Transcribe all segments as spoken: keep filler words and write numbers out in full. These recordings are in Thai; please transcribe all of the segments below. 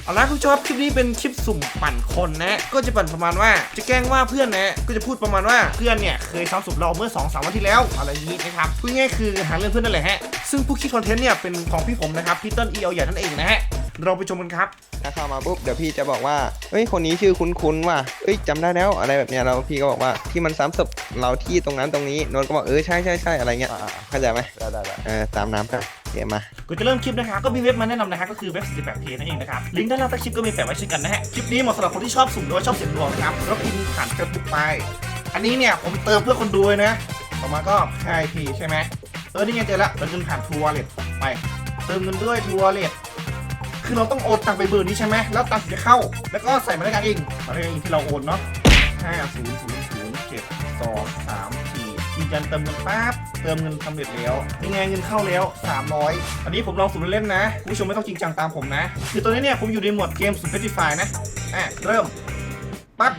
เอาละคุณผู้ชมคลิปนี้เป็นคลิปสุ่มปั่นคนนะก็จะปั่นประมาณว่าจะแกล้งว่าเพื่อนนะก็จะพูดประมาณว่าเพื่อนเนี่ยเคยซ้ำศพเราเมื่อ สองสาม วันที่แล้วอะไรอย่างนี้นะครับพูดง่ายคือหาเรื่องเพื่อนนั่นแหละฮะซึ่งผู้คิดคอนเทนต์เนี่ยเป็นของพี่ผมนะครับพี่เติ้ลอีเอลใหญ่นั่นเองนะฮะเราไปชมกันครับถ้าเข้ามาปุ๊บเดี๋ยวพี่จะบอกว่าเฮ้ยคนนี้ชื่อคุ้นๆว่ะเฮ้ยจำได้แล้วอะไรแบบเนี้ยเราพี่ก็บอกว่าที่มันซ้ำศพเราที่ตรงนั้นตรงนี้โนนก็บอกเออใช่ใช่ใช่อะไรเงี้ยเข้าใจไหมได้ได้ได้เออตามน้ำไปเดี๋ยวมาก่อนจะเริ่มคลิปนะครับก็มีเว็บมาแนะนำนะฮะก็คือเว็บ สี่สิบแปดเพ นั่นเองนะครับลิงก์ด้านล่างใต้คลิปก็มีแปะไว้เช่นกันนะฮะคลิปนี้เหมาะสำหรับคนที่ชอบสุ่มหรือว่าชอบเสี่ยงดวงครับแล้วพิมพ์ผ่านเฟซบุ๊กไปอันนี้เนี่ยผมเติมเพื่อคนดูเลยนะต่อมาก็ใช่พีใช่ไหมเออนี่ไงเจอละเราเงินผ่านทัวร์เลทไปเติมเงินด้วยทัวร์เลทคือเราต้องโอนตังไปเบอร์นี้ใช่ไหมแล้วตังจะเข้าแล้วก็ใส่มาได้กันเองมาได้กันเองที่เราโอนเนาะห้าศูนย์ศูนย์ศูนย์เจ็ดสองสามสี่ยืนยันเติมเงินปั๊บเติมเงินสำเร็จแล้วยังไงเงินเข้าแล้วสามร้อยอันนี้ผมลองสุ่มเล่นๆนะคุณผู้ชมไม่ต้องจริงจังตามผมนะคือตัวนี้เนี่ยผมอยู่ในหมวดเกมสุ่มเพชรไฟนะอ่ะเริ่มปั๊บ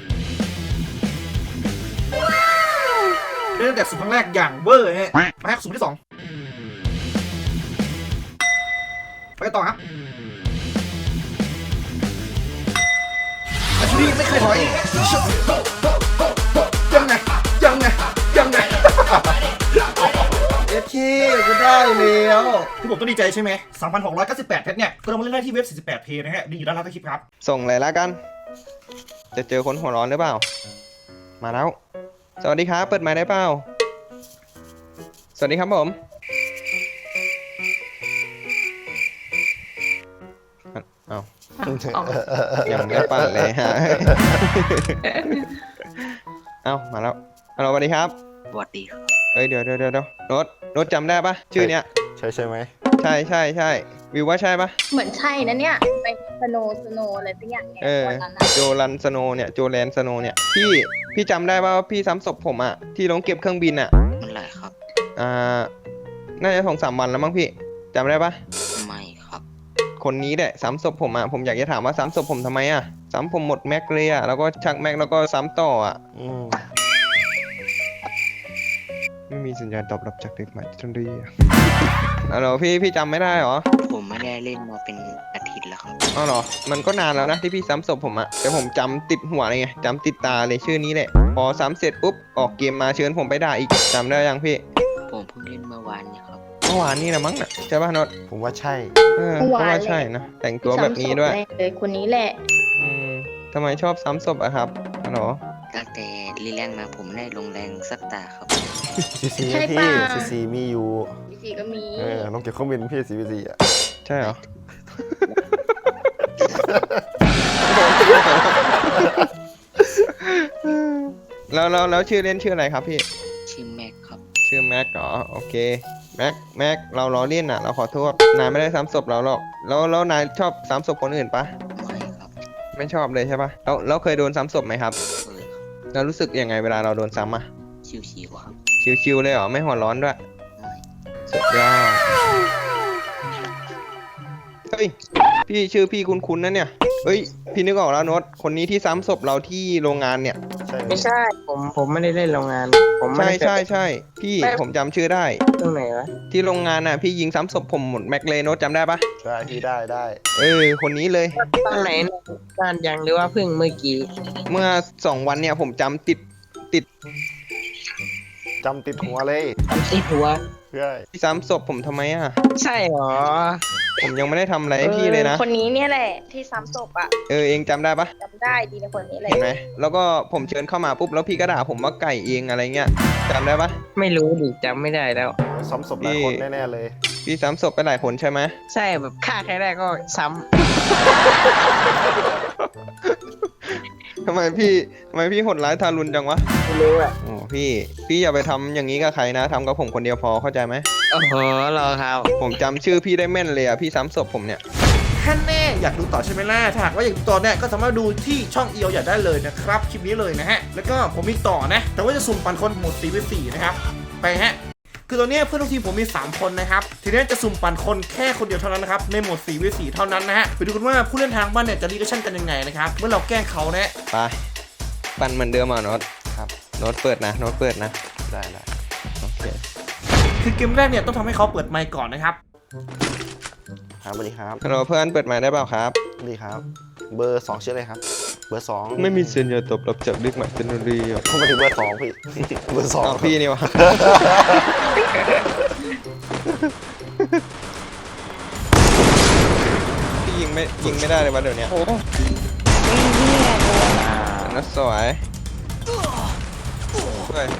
เริ่มแต่สุ่มครั้งแรกอย่างเวอร์ฮะมาสุ่มที่สองไปต่อครับอาชีพไม่เคยถอยยังไงยังไงยังไงเอฟเคก็ได้แล้วที่ผมต้องดีใจใช่ไหม สามพันหกร้อยเก้าสิบแปด เพชรเนี่ยก็เรามาเล่นได้ที่เว็บ สี่สิบแปดเพ นะฮะดีอยู่ด้านล่างใต้คลิปครับส่งเลยแล้วกันจะเจอคนหัวร้อนหรือเปล่ามาแล้วสวัสดีครับเปิดไมค์ได้เปล่าสวัสดีครับผมเอายังไม่ปั่นเลยฮะเอามาแล้วฮัลโหลสวัสดีครับสวัสดีครับเอ้ยเดี๋ยวเดี๋ยวเดี๋ยวโน้ตโน้ตจำได้ปะชื่อเนี้ยใช่ใช่ไหมใช่ใช่ใช่วิวว่าใช่ปะเหมือนใช่นะเนี่ยไปสโนสโนอะไรสักอย่างเนี่ยเออโจลันสโนเนี่ยโจแลนสโนเนี่ยพี่พี่จำได้ป่ะว่าพี่ซ้ำศพผมอ่ะที่ลงเก็บเครื่องบินอ่ะมันไหรครับอ่าน่าจะสองสามวันแล้วมั้งพี่จำได้ปะไม่ครับคนนี้แหละซ้ำศพผมอ่ะผมอยากจะถามว่าซ้ำศพผมทำไมอ่ะซ้ำผมหมดแม็กเลยอ่ะแล้วก็ชักแม็กแล้วก็ซ้ำต่ออ่ะไม่มีสัญญาณตอบรับจากเด็กใหม่ทันทีอ๋อเหรอพี่พี่จำไม่ได้เหรอผมไม่ได้เล่นมาเป็นอาทิตย์แล้วครับอ๋อเหรอมันก็นานแล้วนะที่พี่ซ้ำศพผมอะแต่ผมจำติดหัวเลยไงจำติดตาเลยชื่อนี้แหละพอซ้ำเสร็จปุ๊บออกเกมมาเชิญผมไปด่าอีกจำได้ยังพี่ผมเพิ่งเล่นเมื่อวานเนี่ยครับเมื่อวานนี่นะมั้งนะใช่ป่ะนดผมว่าใช่เออเพราะว่าใช่นะแต่งตัวแบบนี้ด้วยเลยคนนี้แหละอืมทำไมชอบซ้ำศพอะครับอ๋อเหรอตั้งแต่รีแรงมาผมได้ลงแรงสักตาครับซีซีพี่ซีซีมีอยู่ซีซีก็มีเออน้องเก็บเครื่องบินพี่ซีซีอ่ะใช่เหรอแล้วแล้วแล้วชื่อเล่นชื่ออะไรครับพี่ชื่อแม็กครับชื่อแม็กเหรอโอเคแม็กแม็กเราล้อเล่นอ่ะเราขอโทษนายไม่ได้ซ้ำศพเราหรอกแล้วแล้วนายชอบซ้ำศพคนอื่นปะไม่ครับไม่ชอบเลยใช่ปะแล้วแล้วเคยโดนซ้ำศพไหมครับเคยครับแล้วรู้สึกยังไงเวลาเราโดนซ้ำอ่ะชิวๆครับชิวๆเลยเหรอไม่หัวร้อนด้วยสุดยอดเฮ้ยพี่ชื่อพี่คุ้นๆนะเนี่ยเฮ้ยพี่นึกออกแล้วโน้ตคนนี้ที่ซ้ำศพเราที่โรงงานเนี่ยไม่ใช่ผมผมไม่ได้เล่นโรงงานผมใช่ใช่ใช่พี่ผมจำชื่อได้ตรงไหนวะที่โรงงานน่ะพี่ยิงซ้ำศพผมหมดแม็กเลโน้ตจำได้ปะใช่พี่ได้ได้เออคนนี้เลยตอนไหนนานยังหรือว่าเพิ่งเมื่อกี้เมื่อสองวันเนี่ยผมจำติดติดจำติดหัวเลยจำติดหัวใช่พี่ซ้ำศพผมทำไมอ่ะใช่หรอผมยังไม่ได้ทำอะไรให้พี่เลยนะคนนี้เนี่ยแหละที่ซ้ำศพอ่ะเออเองจำได้ปะจำได้ดีในคนนี้เลยเห็นไหมแล้วก็ผมเชิญเข้ามาปุ๊บแล้วพี่ก็ด่าผมว่าไก่เองอะไรเงี้ยจำได้ปะไม่รู้ดิจำไม่ได้แล้วซ้ำศพหลายคนแน่ๆเลยพี่ซ้ำศพไปหลายคนใช่ไหมใช่แบบฆ่าใครได้ก็ซ้ำทำไมพี่ทำไมพี่โหดร้ายทารุณจังวะไม่รู้อ่ะโอ้พี่พี่อย่าไปทำอย่างนี้กับใครนะทำกับผมคนเดียวพอเข้าใจไหมโอ้โหรอครับผมจำชื่อพี่ได้แม่นเลยอ่ะพี่ซ้ำศพผมเนี่ยท่านแน่อยากดูต่อใช่ไหมล่ะถ้าหากว่าอยากดูต่อเนี่ยก็สามารถดูที่ช่องเอียวอยากได้เลยนะครับคลิปนี้เลยนะฮะแล้วก็ผมมีต่อนะแต่ว่าจะสุ่มปั่นคนหมด สี่ วี สี่ นะครับไปฮะคือตอนนี้เพื่อนทุกทีมผมมีสามคนนะครับทีนี้จะสุ่มปั่นคนแค่คนเดียวเท่านั้นนะครับในโหมด สี่ วี สี่ เท่านั้นนะฮะไปดูกันว่าผู้เล่นทางบ้านเนี่ยจะรีแอคชั่นกันยังไงนะครับเมื่อเราแกล้งเขานะไปปั่นเหมือนเดิมอ่ะโน้ตครับโน้ตเปิดนะโน้ตเปิดนะได้ได้โอเคคือเกมแรกเนี่ยต้องทำให้เขาเปิดไมค์ก่อนนะครับครับสวัสดีครับฮัลโหลเพื่อนเปิดไมค์ได้เปล่าครับสวัสดีครับ เบอร์สองชื่ออะไรครับ เบอร์สองไม่มีสัญญาตอบรับจากเด็กใหม่เทคโนโลยีอ่ะผมมาถึงเบอร์สองพี่ เบอร์สองอ้าวพี่นี่วะ พี่ยิงไม่ยิงไม่ได้เลยวะเดี๋ยวนี้โอ้ยนี่แหละโดนนัดสวยสวย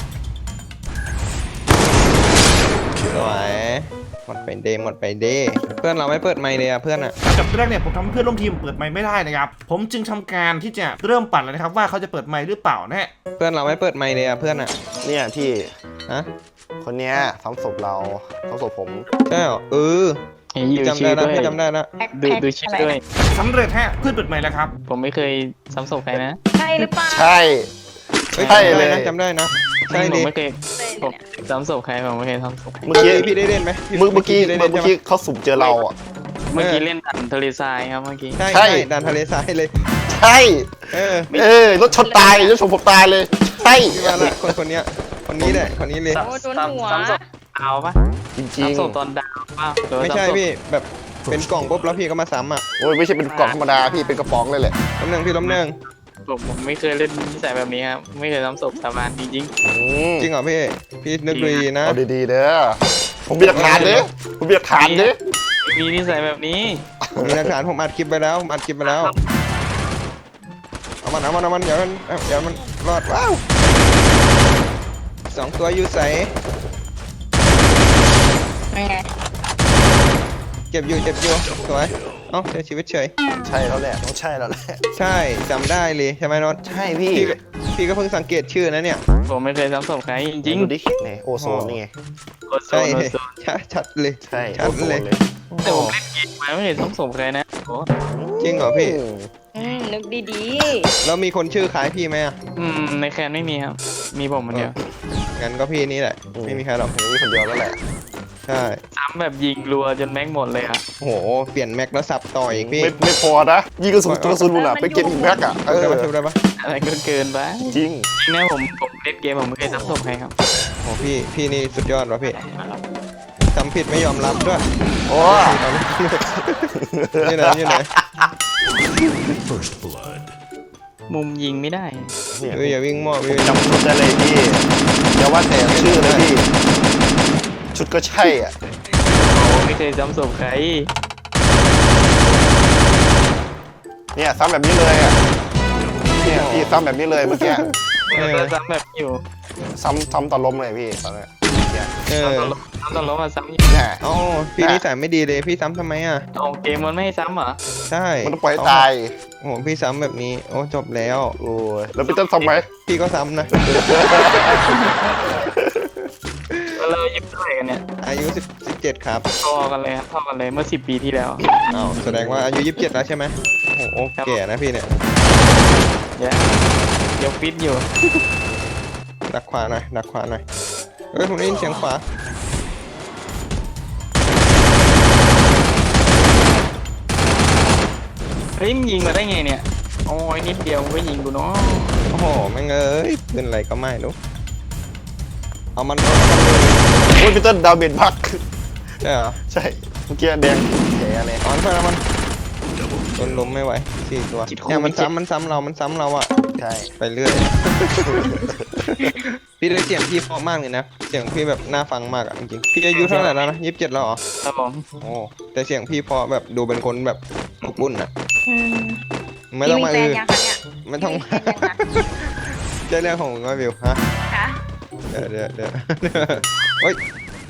สวยหมดไปเดย์หมดไปเดย์เพื่อนเราไม่เปิดไมค์เลยอ่ะเพื่อนอ่ะกับแรกเนี่ยผมทำให้เพื่อนร่วมทีมเปิดไมค์ไม่ได้นะครับผมจึงทำการที่จะเริ่มปั่นเลยนะครับว่าเขาจะเปิดไมค์หรือเปล่านะฮะเพื่อนเราไม่เปิดไมค์เลยอ่ะเพื่อนอ่ะเนี่ยพี่ฮะคนเนี้ยซ้ำศพเราซ้ำศพผมใช่เหรอเออเห็นอยู่จำชื่ได้อแล้วด้วยพี่จำได้แล้วแพ็คดูแพ็คดูชื่ออะไรด้วยสำเร็จฮะเพื่อนเปิดไมค์แล้วครับผมไม่เคยซ้ำศพใครนะใช่หรือเปล่าใช่เฮ้ยใช่จำเลได้ยนะจำได้นะใช่ผดิมไม่เคยเลยผมเนี่ยซ้ำศพใครผมไม่เคยซ้ำศพใครเมื่อกี้พี่ได้เล่นไหมเมื่อเมื่อกี้ได้เมื่เล่อนใช่ไหมกี้เขาสุ่มเจอเราอ่ะเมื่อกี้เล่นดันทะเลทรายครับเมื่อกี้ใช่ใช่ใช่ดันทะเลทรายเลยใช่เออเออรถชนตายรถชนผมตายเลย ใช่พี่มาละคนคนเนี้ยคนนี้แหละคนนี้เลยโอ้โดนหัวซ้ำศพเอาปะจริงซ้ำศพตอนดาวป่ะหรือว่าไม่ใช่ซ้ำศพพี่แบบเป็นกล่องปุ๊บแล้วพี่ก็มาซ้ำอ่ะๆโอ้ยไม่ใช่เป็นกล่องธรรมดาพี่เป็นกระป๋องเลยแหละล้มหนึ่งพี่ล้มหนึ่งผมผมไม่เคยเล่นนิสัยแบบนี้ครับไม่เคยซ้ำศพสาบานจริงอืมจริงเหรอพี่พี่นึกดูดีนะเอาดีๆเด้อผมมีหลักฐานเด้อผมมีหลักฐานเด้อๆมีนิสัยแบบนี้ผมมีหลักฐานผมอัดคลิปไปแล้วผมอัดคลิปไปแล้วเอามันเอามันเอามันเดี๋ยวมันเอาเดี๋ยวมันรอดว้าวสองตัวอยู่ใสยังไงเจ็บอยู่เจ็บอยู่สวยเอ้าเสียชีวิตเฉยใช่แล้วแหละต้องใช่แล้วแหละใช่จำได้เลยใช่ไหมน็อตใช่พี่พี่ก็พี่ก็เพิ่งสังเกตชื่อนะเนี่ยผมไม่เคยซ้ำศพใครจริงดูดิเนี่ยโอโซนนี่ไงๆโอโซใช่นโอเลยโซนชัดชัดเลยใช่ชัดโอโซนเลยเลยแต่ผมเล่นเกมมาไม่เคยซ้ำศพใครนะโอ้จริงเหรอพี่อืมนึกดีแล้วมีคนชื่อคล้ายพี่ไหมอ่ะอืมในแคนไม่มีครับ มีผมคนเดียวงั้นก็พี่นี่แหละไม่มีใครหรอกมีคนเดียวแล้วแหละใช่ซ้ำแบบยิงรัวจนแม็กหมดเลยอ่ะโอ้โหเปลี่ยนแม็กแล้วสับต่ออีกพี่ไม่ไม่พอนะยิงกระสุนกระสุนบุญอ่ะไปเก็บอีกแม็กอ่ะเอได้อปะได้ปะอะไรก็เกินไปจริงจริงนะผมผมเล่นเกมผมไม่เคยซ้ำศพใครครับโอ้พี่พี่นี่สุดยอดวะพี่ทำผิดไม่ยอมรับด้วยโอ้นี่ไหนนี่ไหนมุมยิงไม่ได้เนี่ยเฮ้ยอย่าวิ่งมั่ววิ่งจำชุดได้เลยพี่อย่าว่าแต่ชื่อเลยพี่ ชุดก็ใช่อ่ะผมไม่เคยซ้ำศพใครเนี่ยซ้ำแบบนี้เลยอ่ะเนี่ยพี่ซ้ำแบบนี้เลยเมื่อกี้เออซ้ำแบบอยู่ซ้ำซ้ำตอนล้มเลยพี่ตอนนี้เนี่ยเออซ้ำตลบซ้ำตลบมาซ้ำอยู่เนี่ยเอ๋อพี่นิสัยไม่ดีเลยพี่ซ้ำทำไมอ่ะเอาเกมมันไม่ให้ซ้ำเหรอใช่มันต้องปล่อยให้ตายโอ้โหพี่ซ้ำแบบนี้โอ้จบแล้วโอ้ยแล้วพี่ต้นซ้ำไหมพี่ก็ซ้ำนะแล้วเราอายุเท่าไหร่กันเนี่ยอายุสิบสิบเจ็ดครับพอกันเลยครับพอกันเลยเมื่อสิบปีที่แล้วอ้าวแสดงว่าอายุยี่สิบเจ็ดแล้วใช่ไหมโอ้โหแก่นะพี่เนี่ยเดี๋ยวเดี๋ยวฟิตอยู่ดักขวาหน่อยดักขวาหน่อยเฮ้ยผมได้ยินเสียงขวาเฮ้ยมึงยิงมาได้ไงเนี่ยโอ้ยนิดเดียวมึงก็ยิงกูเนาะโอ้โหแม่งเอ้ยปืนอะไรก็ไม่รู้เอามันเอามันโอ้ยพี่ต้นดาวเบนพักใช่เหรอใช่เมื่อกี้แดงแผลเลยเอามันไปเอามันโดนล้มไม่ไหวสี่ตัวเนี่ยมันซ้ำมันซ้ำเรา มันซ้ำเราอะใช่ไปเรื่อย พี่ได้เสียงพี่เพราะมากเลยนะ เสียงพี่แบบน่าฟังมากอะจริงๆพี่อายุเท่าไหร่แล้วนะยี่สิบเจ็ดแล้วเหรอครับผมโอ้แต่เสียงพี่เพราะแบบดูเป็นคนแบบอบอุ่นอะๆอืมไม่ต้องมาพี่อืมีอแฟนยังคะเนี่ยไม่ต้องพี่มีแฟนยังคะจะเรื่องของก็วิวฮะคะเดี๋ยวเดี๋ยวเดี๋ยวเฮ้ย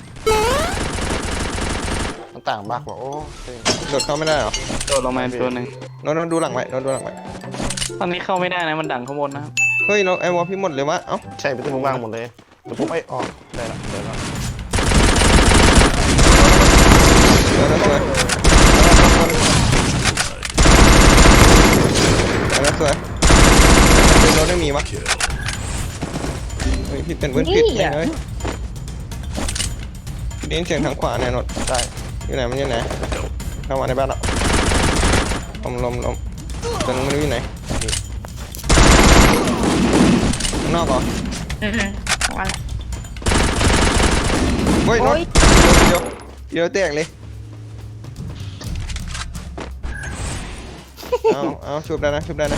มันต่างมากกว่าโอ้ยโดดเข้าไม่ได้เหรอโดดลงมาตัวหนึ่งโน้ตโน้ตดูหลังไว้โน้ตดูหลังไว้ตอนนี้เข้าไม่ได้นะมันดังข้างบนนะครับเฮ้ยเราไอวอลพี่หมดเลยวะเอ้าใช่พี่ต้นว่างหมดเลยแต่ผมไอ้ออกได้แล้วได้แล้วเดี๋ยวนะสวยเดี๋ยวนะสวยเป็นรถไม่มีวะเฮ้ยพี่เป็นเพื่อนผิดไหมเฮ้ยได้ยินเสียงทางขวาแน่นอนได้อยู่ไหนมันอยู่ไหนเข้ามาในบ้านแล้วลมลมลมแต่ไม่รู้อยู่ไหนข้างนอกเหรออืมๆวันละเฮ้ยรโอ๊ถยเดี๋ยวเดี๋ยวแตกเลยเอาเอาชุบได้นะชุบได้นะ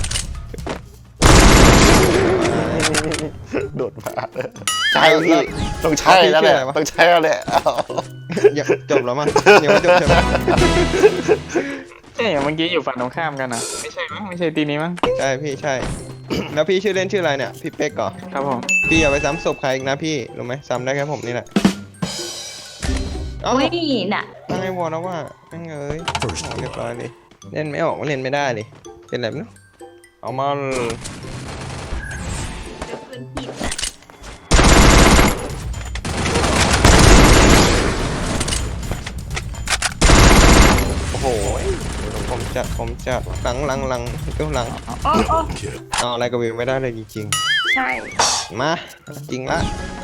โดดมาใช่พี่ต้องใช่แล้วแหละต้องใช่แล้วแหละเอาอย่าจบแล้วมั้งยังไม่จบใช่ไหมใช่เมื่อกี้อยู่ฝั่งตรงข้ามกันนะไม่ใช่มั้งไม่ใช่ตีนี้มั้งใช่พี่ใช่ แล้วพี่ชื่อเล่นชื่ออะไรเนี่ยพี่เป๊กก่อนครับผมพี่อย่าไปซ้ำศพใครอีกนะพี่รู้ไหมซ้ำได้แค่ผมนี่แหละเอ้าอุ้ยน่ะตั้งไอ้วอลแล้วว่าแม่งเอ้ยโอ้เรียบร้อยเลยเล่นไม่ออกเล่นไม่ได้เลยเป็นไรไม่รู้เอามาเดี๋ยวปืนผิดน่ะโอ้โหผมจัดผมจัดหลังหลังหลังก็หลังโอ้โอ้เอาอะไรกับวิวไม่ได้เลยจริงใช่ๆมาจริงละ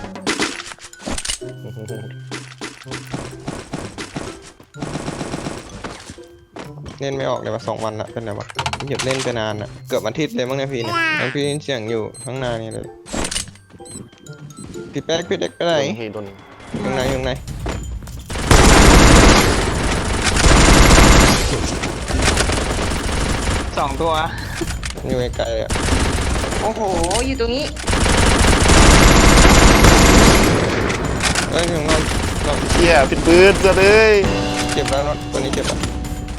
เล่นไม่ออกเลยมาสองวันละเป็นไรวะหยุดเล่นไปนานอะเกือบอาทิตย์เลยมั้งเนี่ยพี่เนี่ยยังพี่ได้ยินเสียงอยู่ข้างหน้านี่เลยพี่แป๊กพี่เด็กไปไหนโดนพี่โดนอยู่ข้างในอยู่ข้างในสองตัวอยู่ไกลๆเลยอะโอ้โห อยู่ตรงนี้เอ้ยถึงเราเราเชี่ยผิดปืนเสือเลยเจ็บแล้วรถตัวนี้เจ็บแล้ว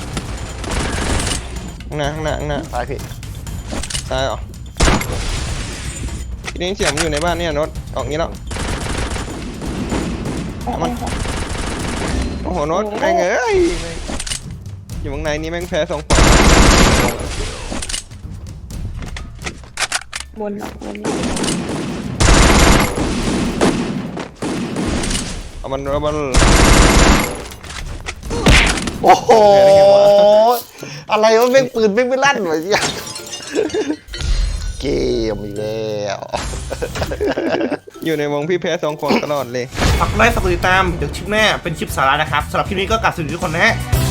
ข้างหน้าข้างหน้าข้างหน้าตายพี่ซ้ายเหรอพี่ได้ยินเสียงมันอยู่ในบ้านเนี่ยรถออกงี้แล้วเอามันโอ้โหรถแม่งเอ้ยอยู่ข้างในนี่แม่งแพ้สองฝั่งบนหรอกบนเอามันเอามันโอ้โหอะไรวะแม่งปืนแม่งไม่ลั่นวะเนี่ยเกมอีกแล้วอยู่ในวงพี่แพ้สองคนตลอดเลยฝากกดไลค์ฝากกดติดตามเดี๋ยวคลิปหน้าเป็นคลิปสาระนะครับสำหรับคลิปนี้ก็กลับสวัสดีทุกคนนะฮะ